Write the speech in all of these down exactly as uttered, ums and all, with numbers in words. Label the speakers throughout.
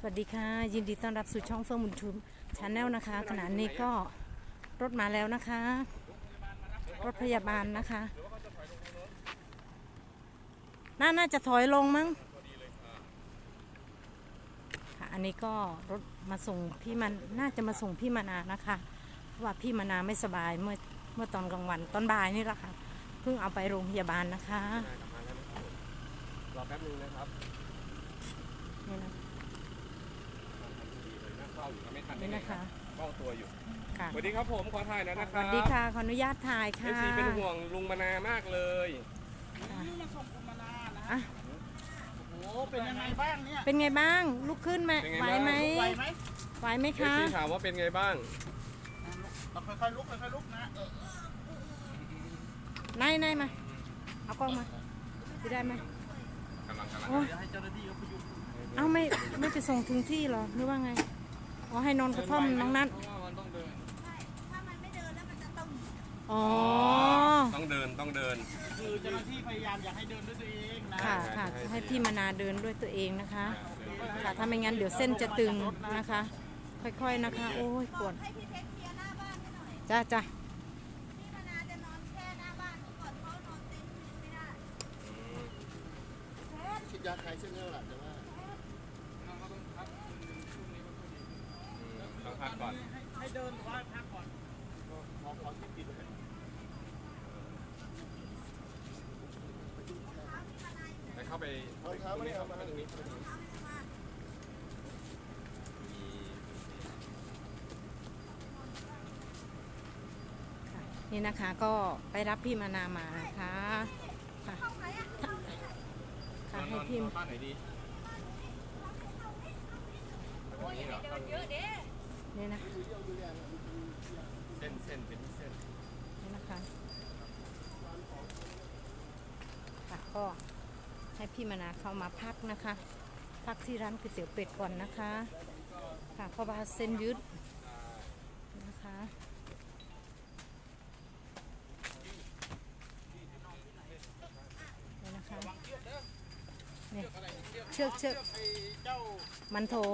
Speaker 1: วัสดีค่ะยินดีต้อนรับสู่ช่องเฟื่องบุญชูชาแนลนะคะขณะนี้ก็รถมาแล้วนะคะรถพยาบาลนะคะน่าน่าจะถอยลงมั้งค่ะอันนี้ก็รถมาส่งพี่มันน่าจะมาส่งพี่มานานะคะเพราะว่าพี่มานาไม่สบายเมื่อเมื่อตอนกลางวันตอนบ่ายนี่แหละค่ะเพิ่งเอาไปโรงพยาบาลนะคะ
Speaker 2: รอแป๊บนึงนะครับ
Speaker 1: นี่นะ
Speaker 2: นี่นะคะเฝ้าตัวอยู่
Speaker 1: ค่ะ
Speaker 2: สวัสดีครับผมขอถ่ายนะนะค
Speaker 1: ส
Speaker 2: รับ
Speaker 1: วัสดีค่ะขออนุญาตถ่ายค่ะ
Speaker 2: เอฟซีเป็นห่วงลุงมานามากเลย
Speaker 3: มาส่งคุณมานานะโอ้โหเป็นยังไงบ้างเนี่ย
Speaker 1: เป็นไงบ้างลุกขึ้นไหมไหวไหม
Speaker 3: ไหวไหม
Speaker 1: ไหวไหมคะ
Speaker 2: เอฟซีถามว่าเป็นไงบ้าง
Speaker 3: เราค่อยๆลุกค่อยๆลุกนะ
Speaker 1: นายนายมาเอากล้องมาจะได้ไหม
Speaker 2: กำลังกำลัง
Speaker 3: ให้เจ้าหน้าที่เขาพยุง
Speaker 1: เอาไม่ไม่ไปส่งถึงที่หรอหรือว่าไงอ๋อให้นอนกระท่อมน้องนัท
Speaker 3: เพราะว่ามันต้องเดิน
Speaker 4: ถ้ามันไม่เดินแล้วมันจะต้อง
Speaker 1: อ๋อ
Speaker 2: ต้องเดินต้องเดิน
Speaker 3: คือเจ้าหน้าที่พยายามอยากให้เดินด้วยตัวเองนะ
Speaker 1: ค่ะค่ะให้พี่มานาเดินด้วยตัวเองนะคะค่ะถ้าไม่งั้นเดี๋ยวเส้นจะตึงนะคะ ค่อยๆนะคะโอ้ยปวด
Speaker 4: ให้พี่เทคเคลียร์หน้าบ้านให้หน่อย
Speaker 1: จ้าจ้า
Speaker 4: พี่มานาจะนอนแค่หน้าบ้านก่อนเขานอนเต็นท์ไม่ได้
Speaker 3: ฉีดยาคลายเส้นเลือดหลังแต่ว่า
Speaker 2: ต้องพักก่อน
Speaker 3: ให้เดินหรือว่าพักก่อนขอขอที่ติดเลย
Speaker 2: ไปเข้าไปตรงนี้ครับตรงนี้
Speaker 1: นี่นะคะก็ไปรับพี่มานามานะคะค่ะค่ะให้พี่
Speaker 2: บ้านไหนดี
Speaker 1: นี่นะ
Speaker 2: เส้นเส้นเป็นเส้น
Speaker 1: นี่นะคะค่ะก็ให้พี่มานาเข้ามาพักนะคะพักที่ร้านก๋วยเตี๋ยวเป็ดก่อนนะคะค่ะเพราะว่าเส้นยืดนะคะนี่นะคะนี่เชือกเชือกมันโถ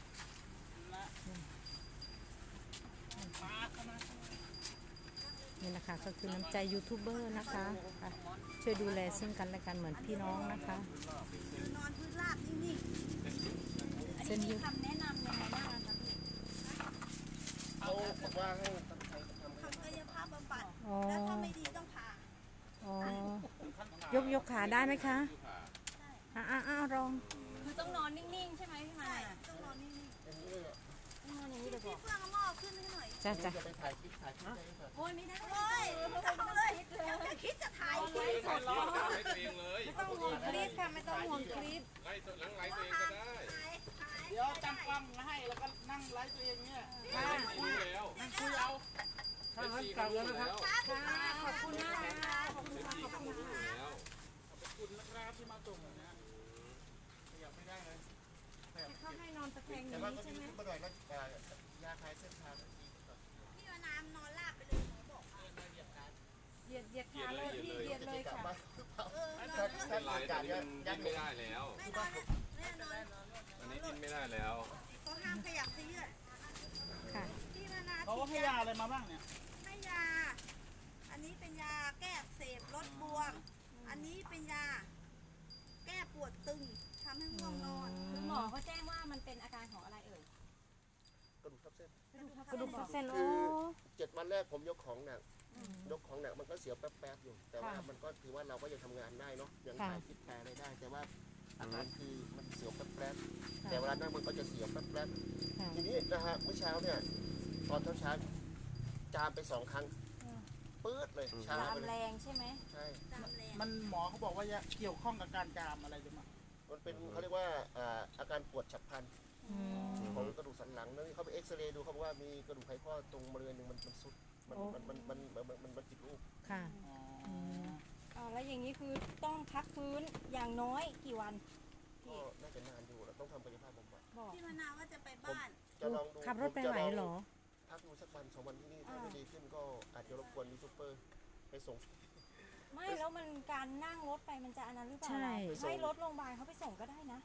Speaker 1: นี่นะคะก็คือน้ำใจยูทูบเบอร์นะคะช่วยดูแลซึ่งกันและกันเหมือนพี่น้องนะคะ
Speaker 4: นอนพื้นราบนิ่งๆอันนี้มีคำแนะนำยังไงบ้างคะพี่
Speaker 3: เขาบอกว่าให้
Speaker 4: ทำกายภาพบำบัดแล้วถ้าไม่ดีต้องผ่า
Speaker 1: อ๋อยกยกขาได้ไหมคะอ่าอ่าลอง
Speaker 4: คือต้องนอนนิ่งๆใช่ไหมพี่มาต้องนอนนิ่งๆต้องนอนอย่างนี้เลยบอกพี่เฟื่องเอาหม้อขึ้นให้หน่อย
Speaker 1: จ้าจ้า
Speaker 3: จะไปถ่ายคลิปถ่ายคลิป
Speaker 4: โอ้ยไม่ได้เลยไม่ต้องเลยจะคิดจะถ่ายคลิป
Speaker 2: สดเลย
Speaker 1: ไม่ต้องห่วงคลิปค่ะไม่ต้องห่วงคลิป
Speaker 2: ไล่หลังไล่ตัวเองก็ได้
Speaker 3: เดี๋ยวตั้งกล้องมาให้แล้วก็นั่งไลฟ์ตัวเองเนี่ย
Speaker 2: คุยแล้ว
Speaker 3: นั่งคุยเอา
Speaker 2: ถ้างั้นกลับแล้วนะครับ
Speaker 1: ขอบคุณมากนะคะขอบคุณค่ะขอบคุณค่ะ
Speaker 3: ขอบคุณนะครับที่มาส่งนะขยับไม่ได้เลย
Speaker 1: เขาให้นอนตะแคงอย่างนี้ใช่ไหม
Speaker 3: ก็ได้ก็ยาคลายเส้นทาง
Speaker 4: พี่มาน้ำนอนลาบไปเลยหมอบอก
Speaker 1: เหยียดเหยียดขาเลยพี่เหยียดเลยค่ะ
Speaker 4: เออ
Speaker 2: ถ้าถ้าหลายจากนี้ดิ้นไม่ได้แล้ว
Speaker 4: ไม่นอนแน่นอน
Speaker 2: อันนี้ดิ้นไม่ได้แล้ว
Speaker 4: เขาห้ามขยับเสื้อ
Speaker 1: ค่ะ
Speaker 4: พี่มานา
Speaker 3: เขาให้ยาอะไรมาบ้างเนี่ย
Speaker 4: ให้ยาอันนี้เป็นยาแก้อักเสบลดบวมอันนี้เป็นยาแก้ปวดตึงทำให้ง่วงนอน
Speaker 5: คือหมอเขาแจ้งว่ามันเป็นอาการของอะไรเอ่ย
Speaker 3: กระดูกทับเส้น
Speaker 1: กระดูกทับเส้นโอ้
Speaker 3: เจ็ดวันแรกผมยกของหนักยกของหนักมันก็เสียวแป๊บๆอยู่แต่ว่ามันก็ถือว่าเราก็ยังทำงานได้เนาะยังถ่ายคลิปแปลอะไรได้แต่ว่าอาการคือมันเสียวแป๊บๆแต่เวลานั่งมันก็จะเสียวแป๊บๆทีนี้นะฮะเมื่อเช้าเนี่ยตอนเช้าๆจามไปสองครั้งปื๊ดเลย
Speaker 5: จามแรงใช่ไหม
Speaker 3: ใช่
Speaker 4: มัน
Speaker 3: หมอเขาบอกว่าเกี่ยวข้องกับการจามอะไรหรือเปล่ามันเป็นเขาเรียกว่าอาการปวดฉับพลันของกระดูกสันหลังนั่นเขาไปเอ็กซเรย์ดูเขาบอกว่ามีกระดูกไขข้อตรงบริเวณหนึ่งมันมันสุดมันมันมันมันมันมันมันผิดรูป
Speaker 1: ค่ะ
Speaker 5: อ๋อแล้วอย่างนี้คือต้องพักฟื้นอย่างน้อยกี่วัน
Speaker 3: ก็น่าจะนานอยู่เราต้องทำกายภาพบำบัด
Speaker 4: พี่มนาว่าจะไปบ้าน
Speaker 3: จะลองดู
Speaker 1: ขับรถไปไหวหรอ
Speaker 3: พักดูสักวันสองวันที่นี่ถ้าไม่ดีขึ้นก็อาจจะรบกวนยูทูบเบอร์ไปส่ง
Speaker 5: ไม่แล้วมันการนั่งรถไปมันจะอันนั้นหรือเปล่า
Speaker 1: ใช่
Speaker 5: ให้รถโรงพยาบาลเขาไปส่งก็ได้นะ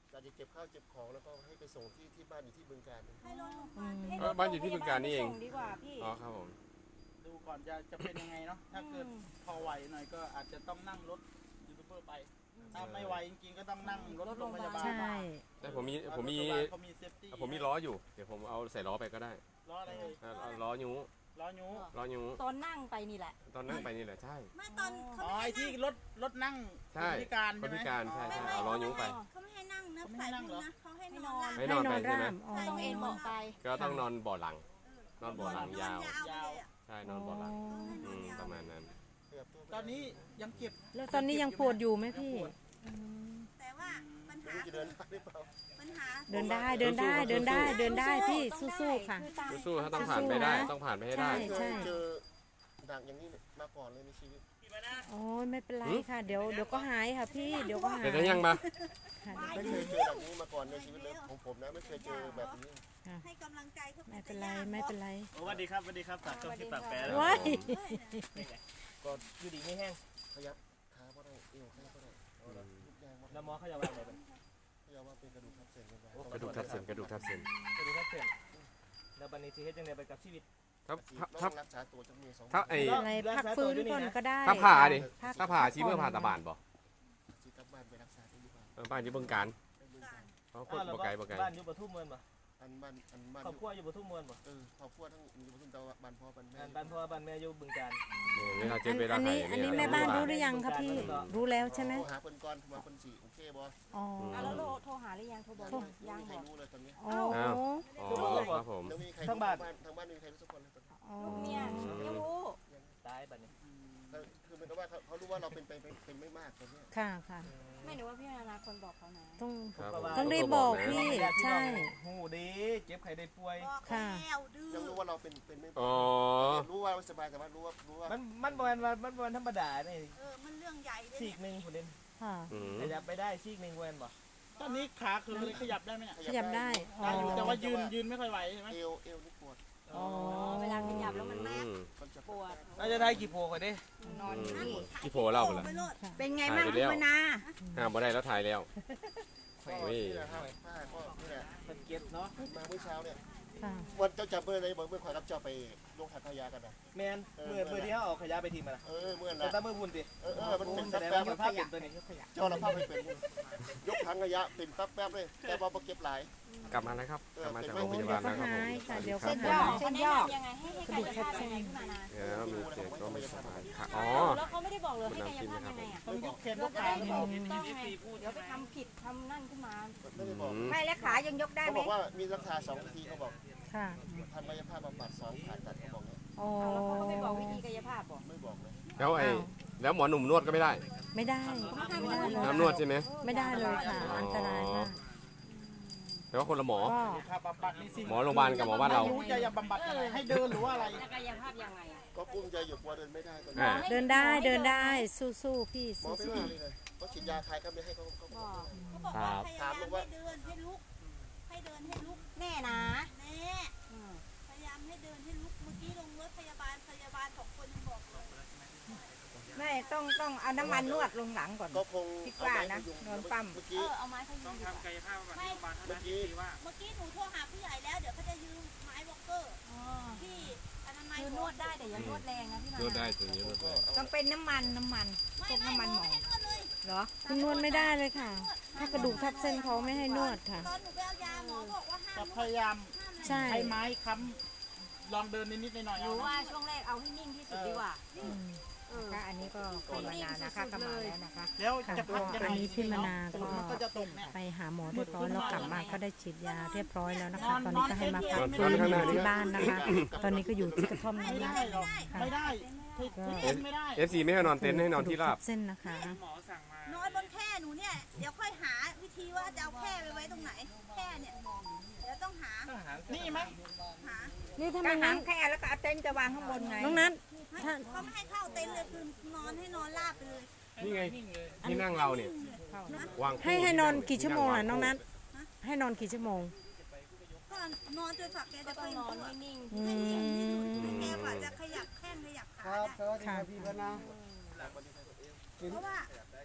Speaker 3: อาจจะเก็บข้าวเก็บของแล้วก็ให้ไปส่งที่ที่บ้านอยู่ที่บึงกาฬ
Speaker 4: ให้รถโรงพยาบาล
Speaker 5: ให้
Speaker 2: เออบ้านอยู่ที่บึงกาฬนี่เอง
Speaker 5: ส่ดีกว่าพี่
Speaker 2: อ๋อครับผม
Speaker 6: ดูก่อนจะจะเป็นยังไงเนาะถ้าเกิดพอไหวหน่อยก็อาจจะต้องนั่งรถยูทูบเบอร์ไปถ้าไม่ไหวจริงๆก็ต้องนั่งรถโรงพยาบาล
Speaker 1: ใช่
Speaker 2: แต่ผมมีผมมี
Speaker 6: รถโรงพยาบาลเขามีเซฟตี้
Speaker 2: ผมมีล้ออยู่เดี๋ยวผมเอาใส่ล้อไปก็ได้
Speaker 6: ล้ออะไรเอ่ย
Speaker 2: เอาเอาล้อยู
Speaker 6: ล้อยู
Speaker 2: ล้อยู
Speaker 5: ตอนนั่งไปนี่แหละ
Speaker 2: ตอนนั่งไปนี่แหละใช่
Speaker 4: ไม่ตอนเขา
Speaker 6: อ๋อ
Speaker 4: ไม่
Speaker 6: ไอ้
Speaker 4: ให้
Speaker 6: ที่
Speaker 4: นั่ง
Speaker 6: รถรถนั่ง
Speaker 2: ใช่
Speaker 6: คนพิการ
Speaker 2: ค
Speaker 6: ใช่
Speaker 2: น
Speaker 6: ไหม
Speaker 2: พิการใช่ใช่
Speaker 4: ไม่
Speaker 2: เอาล้อยูไป
Speaker 4: เขาไม่ให้นั่งนะ
Speaker 6: เขาไม่
Speaker 4: สา
Speaker 6: ให้
Speaker 4: ย
Speaker 6: นั่ง
Speaker 4: บุ
Speaker 6: เหร
Speaker 4: ญ
Speaker 6: อ
Speaker 4: นะเขาให้นอนหลับ
Speaker 2: ให้นอนไปใช่ไหม
Speaker 1: ร่ามอ๋อ
Speaker 5: ต้องเอ็นเบาะไป
Speaker 2: ก็ต้องนอนเบ่อหลัง นอนเบ่อหลังยาว
Speaker 4: นอนยาวไปเลยอะ
Speaker 2: ใช่นอนเบ่อหลัง
Speaker 4: ต้องให้น
Speaker 2: อื
Speaker 4: อน
Speaker 2: ม
Speaker 4: ยาว
Speaker 2: ประมาณนั้น
Speaker 3: ขยับตัวไป
Speaker 6: ตอนนี้ยังเก็บ
Speaker 1: แล้วตอนนี้ยังปวดอยู่ไหมพี่อืม
Speaker 4: แต่ว่าปัญ
Speaker 3: ไม่
Speaker 4: หา
Speaker 3: รู้จะเดินได้หรือเปล่า
Speaker 4: ปัญหา
Speaker 1: เดินได้เดินได้เดินได้เดินได้พี่
Speaker 5: ต้อง
Speaker 1: สู้
Speaker 5: ได้
Speaker 1: ๆค่ะ
Speaker 5: อตาม
Speaker 2: สู้ๆถ้าต้องผ่านไปได้ต้องผ่านไปให้ได้
Speaker 1: ใช่
Speaker 3: เคยเจอหนักอย่างนี้มาก่อนเลยในชีวิต
Speaker 1: โอ้ยไม่เป็นไรค่ะ เดี๋ยวเดี๋ยวก็หายค่ะพี่เดี๋ยวก็หาย
Speaker 2: เดี๋ยวจะยังมา
Speaker 1: ค่ะ
Speaker 3: ไม่เคยเจอแบบนี้มาก่อนในชีวิตเลยของผมนะไม่เคยเจอแบบนี้
Speaker 4: ให้กำลังใจเขา
Speaker 1: ไม่เป็นไรไม่เป็นไร
Speaker 6: สวัสดีครับสวัสดีครับฝากช่องที่ปากแปร
Speaker 1: ว้าย
Speaker 6: ก็อยู่ดีไม่แห้ง
Speaker 3: ขยับขาก็ได้เอวขาก็ได้เอาละทุกอย่างว่า
Speaker 6: แล้วหมอเขาจะว่าอะไรบ้าง
Speaker 3: ขยับว่าเป็นกระดูกทับเส้นกันไป
Speaker 2: กระดูกทับเส้นกระดูกทับเส้น
Speaker 6: สวัสดีครับเพื่อนแล้วบันนี้สิเฮ็ดจังไดไปกับชีวิต
Speaker 2: ถ้า
Speaker 3: ต้
Speaker 2: ถ้า
Speaker 3: องรักษาตัวจังมีสอง
Speaker 2: ถ้าไอ้
Speaker 1: อะไรพักฟื้นก่อนก็ได้
Speaker 2: ถ้าผ่าดิ
Speaker 1: พัก
Speaker 2: ถ้าผ่าชีเมื่อผ่าตาบานบ่
Speaker 3: สิกลับบ้านไปรักษาที่บ้าน
Speaker 2: เออบ้านอยู่เบิ่งการ
Speaker 3: ไปบึงกาฬ
Speaker 2: เพราะคนบ่ไกลบ่ไกล
Speaker 6: บ้านอยู่ปทุมเมืองบ่
Speaker 3: อันบ้านอันบ้าน
Speaker 6: ครอบครัวอยู่ปทุมเมืองบ่
Speaker 3: เออครอบครัวทั้งอยู่ทุ่งตะวันบ้านพ่อบ้านแม่
Speaker 6: บ้านบ้านพ่อบ้านแม่อยู่บึงกาฬ
Speaker 2: เวลาเจ็
Speaker 1: อั
Speaker 2: บ
Speaker 1: น
Speaker 2: เวลา
Speaker 1: อัน
Speaker 2: ไข้
Speaker 1: นี้อันนี้แม่บ้านรู้หรือยังคะพี่รู้แล้วใช่ไหม
Speaker 3: โทรหาเพิ่นก่อนว่าเพิ่นสิโอเคบ่
Speaker 1: อ๋อ
Speaker 5: อ่ะแล้วโทรโทรหาหรือยังโทรบอกยัง
Speaker 3: ไม่
Speaker 5: ยัง
Speaker 3: มีใคร
Speaker 5: บอก
Speaker 3: รู้เลยตอนนี้
Speaker 1: อ๋อ
Speaker 2: อ๋อครับผม
Speaker 3: แล้วมีใครรู้ทางบ้านทางบ้านมีใครรู้สักคนเลยตอนนี้
Speaker 1: อ๋อ
Speaker 5: ลูกเนี่ยยังรู้
Speaker 6: ตายบัดนี้
Speaker 3: คือเหมือนกับว่าเขาเขารู้ว่าเราเป็นไปเป็นเป็นไม่มากตอนนี้
Speaker 1: ค่ะค่ะ
Speaker 5: ไม่หนูว่าพี่นานาคนบอกเขานะ
Speaker 1: ต้อง
Speaker 2: ครับผม
Speaker 1: ต้องรีบบอกพี่ ใช่
Speaker 6: หูดีเจ็บไข้ได้ป่วย
Speaker 4: บอก
Speaker 1: ค่ะ
Speaker 4: แล้วดื้อ
Speaker 3: ยังรู้ว่าเราเป็นเป็นไม่
Speaker 2: อ๋อ
Speaker 3: รู้ว่าสบายแต่ว่ารู้ว่ารู้ว่า
Speaker 6: มันมันบ่แม่นว่ามันบ่แม่นธรรมดานี่
Speaker 4: เออมันเรื่องใหญ่เลย
Speaker 6: ซี
Speaker 4: เนี่ย
Speaker 6: กหนึงพุ่นเด่น
Speaker 1: ค่ะ
Speaker 2: อืม
Speaker 6: ขยับไปได้ซีกหนึงบ่แม่นบ่ตอนนี้ขาคือขยับได้ไหมเนี่ย
Speaker 1: ขยับได้อ๋อ
Speaker 6: ได้อยู่แต่ว่ายืนยืนไม่ค่อยไหวใช่ไหม
Speaker 3: เอวเอวนี่ปวด
Speaker 1: อ๋อ
Speaker 5: เวลาขยับแล้วมัน
Speaker 2: อืม
Speaker 3: มันจะ
Speaker 5: ปวด
Speaker 6: เราจะได้กี่โพก่อนดิ
Speaker 5: นอนอยู่นี่
Speaker 2: ที่โผล่เล่าไปแล้ว
Speaker 4: ไปโลด
Speaker 1: เป็นไง
Speaker 2: ถ่ายไปแล้ว
Speaker 1: มานา
Speaker 2: ห้ามบ่ได้แล้วถ่ายแล้ว
Speaker 3: ก็นี่แหละครับผ้าก็นี่แหละ
Speaker 6: มันเก็บเนาะ
Speaker 3: มาเมื่อเช้าเนี่ย
Speaker 1: ค่ะ
Speaker 3: วันเจ้าจับเบอร์อะไรบอกเมื่อขอยรับเจ้าไปลงหัตถยากันนะ
Speaker 6: แมนมือมือที่เขาเอาขยะไปทิ้งมาละ
Speaker 3: เออเมื่อ
Speaker 6: แต่
Speaker 3: นะ
Speaker 6: ถ้ามือพุ่นดิ
Speaker 3: เออเออมันเป็น
Speaker 6: แส
Speaker 3: แป๊บ
Speaker 6: ดง
Speaker 3: แป๊
Speaker 6: ว่า
Speaker 3: บ
Speaker 6: มันภาพเป็นตัวนี้
Speaker 3: เจ้าละภาพไม่เป็นยกถังขยะเป็นแป๊บแป๊บเลยแต่ว่าเก็บหลาย
Speaker 2: กลับมาแล้วครับ กลับมาจากโรงพ
Speaker 1: เดี๋ย
Speaker 2: ยาว บาล
Speaker 1: ก็
Speaker 2: แล้วครับ
Speaker 1: หา
Speaker 2: ผม
Speaker 1: ยค่ะเดี๋ยว
Speaker 2: ส
Speaker 1: ก็
Speaker 2: วัสดีครับ
Speaker 1: หาย
Speaker 5: เส้นย่อยังไงให้ให้กายภาพยังไงพี่นานา
Speaker 2: เดี๋ยวมีเจ็บก็ไม่สบายค่ะอ๋อ
Speaker 5: แล้วเขาไม่ได้บอกเลยให้กายภาพยังไงอ่ะ
Speaker 6: ต้องยกแขนย
Speaker 5: เรา
Speaker 6: ก
Speaker 5: จะ
Speaker 6: ขา
Speaker 5: ได้
Speaker 6: หรือ
Speaker 5: ถู
Speaker 6: เปล่าก
Speaker 5: ต้องไงเดี๋ยวไปทำผิดทำนั่นขึ้นมา
Speaker 3: ไม่ได้บอก
Speaker 2: อืม
Speaker 5: ไม่และขายังยกได้
Speaker 3: เขา
Speaker 5: ไหม
Speaker 3: บอกว่ามีราคาสองทีเขาบอก
Speaker 1: ค่ะ
Speaker 3: ทำกายภาพบำบัดสองผ่าตัดเขาบอกเนี่ย
Speaker 1: อ๋อ
Speaker 5: แล้วเขาก็ไม่บอกวิธีกายภาพบอก
Speaker 3: ไม่บอกเลย
Speaker 2: แล้วไอ้แล้วหมอหนุ่มนวดก็ไม่ได้
Speaker 1: ไม่ได้ไม่ได้เลย
Speaker 2: น้ำนวดใช่ไหม
Speaker 1: ไม่ได้เลยค่ะ อันตรายมาก
Speaker 2: แต่ว่าคนละหมอ
Speaker 1: ก็
Speaker 6: ค่าบำบัดนี่สิ
Speaker 2: หมอโรงพยาบาลกับหมอบ้านเรา
Speaker 6: รู้จะยังบำบัดยังไงให้เดินหรือว่าอะไร
Speaker 5: แล้วกายภาพยังไงอ่ะ
Speaker 3: ก็กุ้มใจอยู่กลัวเดินไม่ได้ตอนนี้
Speaker 2: อ่า
Speaker 1: เดินได้เดินได้สู้ๆพี่
Speaker 3: หมอ
Speaker 1: สู้
Speaker 3: ไม่ว่าเลยเลยเขาฉีดยาคลายกล้ามเนื้อให้เขาเขาบอก
Speaker 4: เขาบอกว่าพยายามให้เดินให้ลุก ให้เดินให้ลุก
Speaker 5: แน่นะ
Speaker 4: แน่พยายามให้เดินให้ลุก เมื่อกี้ลงรถพยาบาลพยาบาลสองคนยังบอกเลย
Speaker 7: ไม่ต้องต้องเอาน้ำมันนวดลงหลังก่อน
Speaker 3: ก็คง
Speaker 7: คิดว่านะโดนปั้ม
Speaker 3: เมื่อ
Speaker 4: เอ
Speaker 3: กี้
Speaker 4: อเอาไม้พยุงดีกว่า
Speaker 6: ไม่
Speaker 3: เมื่อกี้
Speaker 4: เมื่อกี้หนูโทรหาผู้ใหญ่แล้ว เดี๋ยวเขาจะยืมไม้วอลเกอร์ที่อนามัย
Speaker 5: คือนวดได้แต่อยังนวดแรงนะพี่นาน
Speaker 2: วดได้ตรงนี้นวดได้
Speaker 7: ต้องเป็นน้ำมันน้ำมัน
Speaker 4: ไม่
Speaker 7: พวก
Speaker 4: ไม่
Speaker 7: น้ำมัน
Speaker 4: ห
Speaker 7: ห
Speaker 4: ม
Speaker 7: ม
Speaker 4: อ
Speaker 7: อ
Speaker 4: ไม่ให้นวดเลย
Speaker 7: เหรอ
Speaker 1: ๆคุณนวดไม่ได้เลยค่ะ ถ้ากระดูกทับเส้นเขาไม่ให้นวดค่ะ
Speaker 4: ตอนหนูไปเอายาหมอบอกว่าห้าม
Speaker 6: จะ
Speaker 4: น
Speaker 6: พ
Speaker 4: วด
Speaker 6: ยายาม
Speaker 4: ห้ามเลย
Speaker 1: ใช่
Speaker 6: ใช้ไม้ค้ำลองเดินนิดๆหน่อยๆ
Speaker 5: ห
Speaker 6: เอา
Speaker 5: รือ
Speaker 6: นะ
Speaker 5: ว่าช่วงแรกเอาให้นิ่งที่สุดดีกว่า
Speaker 1: อืม
Speaker 5: เออ
Speaker 7: ค่ะอันนี้ก็ภาวนานะคะก็มาแล้วนะคะ
Speaker 6: แล้ว
Speaker 1: ค่ะ
Speaker 6: จะพักยัง
Speaker 1: อั
Speaker 6: ไง
Speaker 1: นนี้พี่มนา
Speaker 6: ฝนมันก็จะตกเนี่ย
Speaker 1: ไปหาหมอเรียบร้อยแล้วกลับมาก็ได้ฉีดยาเรียบร้อยแล้วนะคะ ตอนนี้ก็ให้มาพักฟื้นอยู่ที่บ้านนะคะ ตอนนี้ก็อยู่ที่กระท่อม
Speaker 6: ไม่
Speaker 1: นี้
Speaker 6: ได้หรอกไม่ได้ที่ที่เต้นไม่ได้
Speaker 2: เอฟซีไม่ให้นอนเต็นท์ให้นอนที่ราบ
Speaker 1: เส้นนะคะ
Speaker 4: นอนบนแคร่หนูเนี่ย เดี๋ยวค่อยหาวิธีว่าจะเอาแคร่ไปไว้ตรงไหน แคร่เนี่ย เดี๋ยวต้องหา
Speaker 6: นี่ไหม
Speaker 4: หา
Speaker 1: นี่ทำไม
Speaker 7: ก็หา
Speaker 1: นั้
Speaker 7: ง
Speaker 1: น
Speaker 7: แค่แล้วก็เอาเต็นท์จะวางข้างบนไง
Speaker 1: น้องนัทถ้า
Speaker 4: เขาไม่ให้เข้าเต็นท์เลยคือนอนให้นอนราบไปเลย
Speaker 2: นี่ไงที่นั่งเราเนี่ย วางคู่
Speaker 1: ให้ให้นอนกี่ชั่วโมงล่ะน้องนัทให้นอนกี่ชั่วโมง
Speaker 4: ก็นอนจนฝักแก
Speaker 5: ก็
Speaker 4: จะ
Speaker 5: ต้
Speaker 4: ค่
Speaker 5: อ
Speaker 4: อง ย
Speaker 5: นอน
Speaker 4: ตัว
Speaker 5: ให้นิ่ง
Speaker 1: อื
Speaker 4: ให้นิ่งที่สุด
Speaker 1: ม
Speaker 4: ให้แกกว่าจะขยับแข้งขยับขาได้
Speaker 1: ค่ะ
Speaker 4: เพราะว่า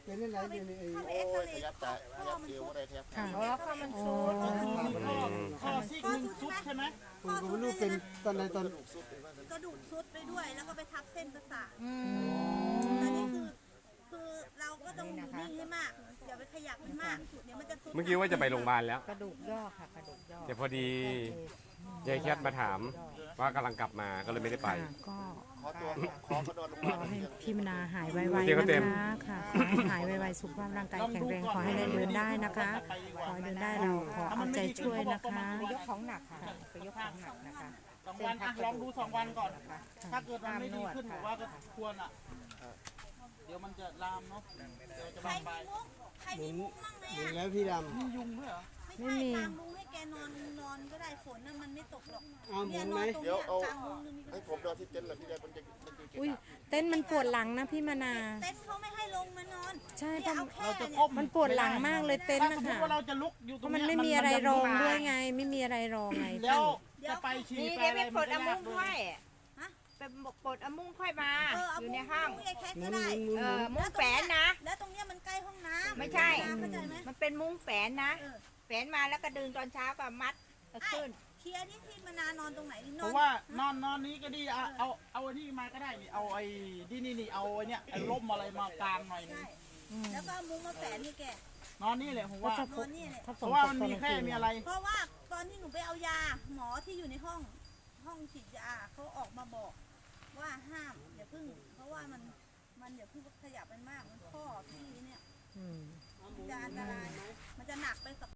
Speaker 8: เป็นอะไรอยู่ในไอ้
Speaker 4: เข้าไป
Speaker 3: โอ้
Speaker 4: เอ็กซ
Speaker 3: ย
Speaker 4: เร
Speaker 3: ขยับ
Speaker 4: ย์
Speaker 3: ตาขยับเอวอะไรขยับขา
Speaker 7: อ๋อข้าวมันซุด
Speaker 6: ก็คือมีข้อข้อซีกหนึ่งซุดใช่ไหม
Speaker 8: ผมก็ไม่รู้เป็นตอนไหนตอน
Speaker 3: ถูกสุดเลยว่างั้น
Speaker 4: กระดูกซุดไปด้วยแล้วก็ไปทับเส้นประสาท
Speaker 7: อืม
Speaker 4: อันนี้คือคือเราก็ต้องอยู่นิ่งให้มากอย่าไปขยับมันมากเดี๋ยวมันจะซุด
Speaker 2: เมื่อกี้ว่าจะไปโรงพยาบาลแล้ว
Speaker 7: กระดูกย่อค่ะกระดูกย่อ
Speaker 2: แต่พอดียายแคทมาถามว่ากำลังกลับมาก็เลยไม่ได้ไป
Speaker 1: ค่ะก็
Speaker 3: ขอตัวขอก็นอนโรงพ
Speaker 1: ข
Speaker 3: ยาบา
Speaker 1: อ
Speaker 3: ล
Speaker 1: ให้พี่มนาหายไว
Speaker 2: เดี๋ยวก็
Speaker 1: ๆ
Speaker 2: เต็
Speaker 1: นะ
Speaker 2: ม
Speaker 1: คะค่ะขอให้หายไวๆสุขภาพร่างกายแข็งแรงขอให้ได้เดินได้นะคะ ขอให้เดินได้เราขอเอาใจช่วยนะคะ
Speaker 7: ไปยกของหนักค่ะไปยกของหนักนะคะ
Speaker 6: สองวันอ่ะลองดูสองวันก่อน
Speaker 7: นะคะ
Speaker 6: ถ้าเกิดมันไม่ดีขึ้นผมว่าก็ควรอ่ะ เดี๋ยวมันจะลามเนาะ เดี๋ยวจะ
Speaker 4: ใคร
Speaker 6: บานป
Speaker 4: มี
Speaker 6: ลาย
Speaker 4: มุ้งใครมีมุ้งมั่งไหม
Speaker 8: เห็น
Speaker 4: อ่ะ
Speaker 8: แล้วพี่ด
Speaker 6: มียุงด้วยเหรอ
Speaker 4: ไม่ใช่กางมุ้งให้แกนอนนอนก็ได้ฝนน่ะมันไม่ตกหรอก
Speaker 8: ำเอาหมุ
Speaker 4: เนี่ย
Speaker 8: น
Speaker 4: น
Speaker 8: ไหม
Speaker 4: อนตรง
Speaker 3: เดี๋ยว
Speaker 4: เนี้ย
Speaker 3: เอา
Speaker 4: กางมุ้งนึงนี่ก็
Speaker 3: ให้ผมนอนที่เต็นท์เลยพี่แดนมันจะมันจะเก็บ
Speaker 1: อุ้ยเต้นมันปวดหลังนะพี่มนา
Speaker 4: เต็นท์เขาไม่ให้ลงมานอน
Speaker 1: ใช่
Speaker 4: เนี่ย
Speaker 1: เพ
Speaker 4: เอา
Speaker 1: ราะ
Speaker 4: แค่
Speaker 6: เราจะ
Speaker 4: เนี่ย
Speaker 6: ก้ม
Speaker 1: มันปวดหลังมากเลยเต้น
Speaker 6: ถ้า
Speaker 1: นะ
Speaker 6: สมมติ
Speaker 1: คะ
Speaker 6: ว่าเราจะลุกอยู่
Speaker 1: เพ
Speaker 6: ตรง
Speaker 1: ราะมัน
Speaker 6: เนี้ย
Speaker 1: ไม่มีอะไรรอง
Speaker 6: น
Speaker 1: ด้วยไง ไม่มีอะไรรองไง
Speaker 6: แล้วจะไปฉี่
Speaker 7: นี่
Speaker 6: ไป
Speaker 7: เดี๋ยว
Speaker 6: อะ
Speaker 7: ไป
Speaker 6: ไร
Speaker 7: ปล
Speaker 6: มัน
Speaker 7: ด
Speaker 6: ก็
Speaker 7: เอา
Speaker 6: ยา
Speaker 7: มุ้
Speaker 6: ก
Speaker 7: ง
Speaker 6: ด้วย
Speaker 7: ค่อยไปปลดเอามุ้งค่อยมา
Speaker 4: เออเอา
Speaker 7: อยู่
Speaker 4: มุ้
Speaker 7: ใน
Speaker 4: ง
Speaker 7: ห้อง
Speaker 4: มุ้งไอ้แคท
Speaker 8: หมุ
Speaker 4: ก็
Speaker 8: น
Speaker 4: ได้
Speaker 8: หมุนหมุน
Speaker 7: เออมุ้งแฝนนะ
Speaker 4: แล้วตรงเนี้ยมันใกล้ห้องน้ำ
Speaker 7: ไม่ใช่
Speaker 4: เข้าใจไหม
Speaker 7: มันเป็นมุ้งแฝนนะ
Speaker 4: เออ
Speaker 7: แฝนมาแล้วก็ดึงตอนเช้าก็มัดเอาขึ้น
Speaker 4: เคลียร์ที่ที่มานานอนตรงไหนนี่น
Speaker 6: เพ
Speaker 4: อน
Speaker 6: ราะว่านอนนอนนี้ก็ดีเอาเอาเอาไอ้นี่มาก็ได้นี่เอาไอ้ที่นี่นี่เอาไอ้เนี่ยไอ้ร่มอะไรมากางหน่อยนึง
Speaker 4: ใช่แล้วก็เอามุ้งมาแฝนนี่แก
Speaker 6: นอนนี่แหละผมว่า
Speaker 1: ถ้าฝ
Speaker 4: นอน นนี่เนี่ย
Speaker 1: ถ้าฝ
Speaker 6: เพ
Speaker 1: น
Speaker 6: ราะว่า
Speaker 1: ตก
Speaker 6: มัน
Speaker 1: ตอน
Speaker 6: มี
Speaker 1: กลาง
Speaker 6: แค่
Speaker 1: คืน
Speaker 6: มี
Speaker 1: เนี่ย
Speaker 6: อะไร
Speaker 4: เพราะว่าตอนที่หนูไปเอายาหมอที่อยู่ในห้องห้องฉีดยาเขาออกมาบอกว่าห้ามอย่าเพึ่ง เพราะว่ามันมันอย่าเพึ่งขยับมันมากมันข้อที่เนี่ย
Speaker 1: อืม
Speaker 4: มันจะอันตรายมันจะหนักไปกับ